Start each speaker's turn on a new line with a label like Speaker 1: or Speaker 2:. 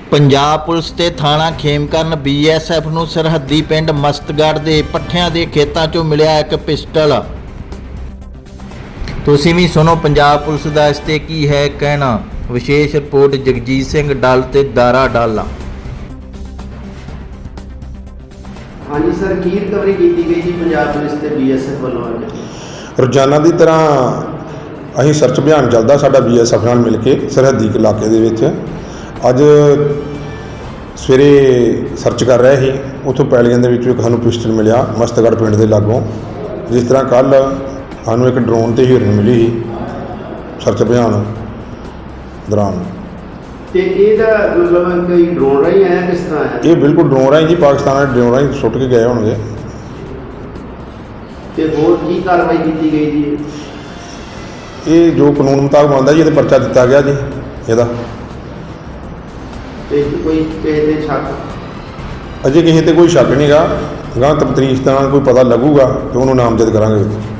Speaker 1: Punjab police ਤੇ ਥਾਣਾ Khemkaran BSF ਨੂੰ ਸਰਹੱਦੀ ਪਿੰਡ ਮਸਤਗੜ੍ਹ ਦੇ ਪੱਠਿਆਂ ਦੇ ਖੇਤਾਂ 'ਚੋਂ ਮਿਲਿਆ ਇੱਕ ਪਿਸਟਲ। ਤੁਸੀਂ ਵੀ ਸੁਣੋ ਪੰਜਾਬ ਪੁਲਿਸ ਦਾ ਇਸ ਤੇ ਕੀ ਹੈ ਕਹਿਣਾ। ਵਿਸ਼ੇਸ਼ ਰਿਪੋਰਟ ਜਗਜੀਤ ਸਿੰਘ ਡੱਲ ਤੇ ਦਾਰਾ ਡੱਲ।
Speaker 2: ਹਾਂਜੀ ਸਰ, ਕੀ ਰਿਕਵਰੀ ਕੀਤੀ ਗਈ ਜੀ ਪੰਜਾਬ ਪੁਲਿਸ ਤੇ BSF ਵੱਲੋਂ ਅੱਜ?
Speaker 3: ਰੋਜ਼ਾਨਾ ਦੀ ਤਰ੍ਹਾਂ ਅਸੀਂ ਸਰਚ ਅਭਿਆਨ ਚੱਲਦਾ ਸਾਡਾ BSF ਨਾਲ ਮਿਲ ਕੇ ਸਰਹੱਦੀ ਇਲਾਕੇ ਦੇ ਵਿੱਚ। ਅੱਜ ਸਵੇਰੇ ਸਰਚ ਕਰ ਰਹੇ ਸੀ, ਉੱਥੋਂ ਪੈਲੀਆਂ ਦੇ ਵਿੱਚੋਂ ਇੱਕ ਸਾਨੂੰ ਪਿਸਟਲ ਮਿਲਿਆ ਮਸਤਗੜ੍ਹ ਪਿੰਡ ਦੇ ਲਾਗੋਂ। ਜਿਸ ਤਰ੍ਹਾਂ ਕੱਲ੍ਹ ਸਾਨੂੰ ਇੱਕ ਡਰੋਨ ਤੇ ਹੀਰਨ ਮਿਲੀ ਸੀ ਸਰਚ ਅਭਿਆਨ ਦੌਰਾਨ।
Speaker 2: ਤੇ ਇਹਦਾ ਮਤਲਬ ਕੋਈ ਡਰੋਨ ਰਾਹੀਂ ਆਇਆ, ਕਿਸ ਤਰ੍ਹਾਂ ਆਇਆ?
Speaker 3: ਇਹ ਬਿਲਕੁਲ ਡਰੋਨ ਰਾਹੀਂ ਜੀ, ਪਾਕਿਸਤਾਨ ਦੇ ਡਰੋਨ ਰਾਹੀਂ ਸੁੱਟ ਕੇ ਗਏ ਹੋਣਗੇ।
Speaker 2: ਤੇ ਹੋਰ ਕੀ ਕਾਰਵਾਈ ਕੀਤੀ ਗਈ ਜੀ?
Speaker 3: ਇਹ ਜੋ ਕਾਨੂੰਨ ਮੁਤਾਬਕ ਬਣਦਾ ਜੀ, ਇਹਦੇ ਪਰਚਾ ਦਿੱਤਾ ਗਿਆ ਜੀ ਇਹਦਾ।
Speaker 2: ਤੇ ਕੋਈ ਕਿਸੇ ਦੇ ਸ਼ੱਕ?
Speaker 3: ਅਜੇ ਕਿਸੇ ਤੇ ਕੋਈ ਸ਼ੱਕ ਨਹੀਂ ਗਾ, ਅਗਾਂਹ ਤਫਤੀਸ਼ ਦਾ ਕੋਈ ਪਤਾ ਲੱਗੂਗਾ ਤੇ ਉਹਨੂੰ ਨਾਮਜ਼ਦ ਕਰਾਂਗੇ।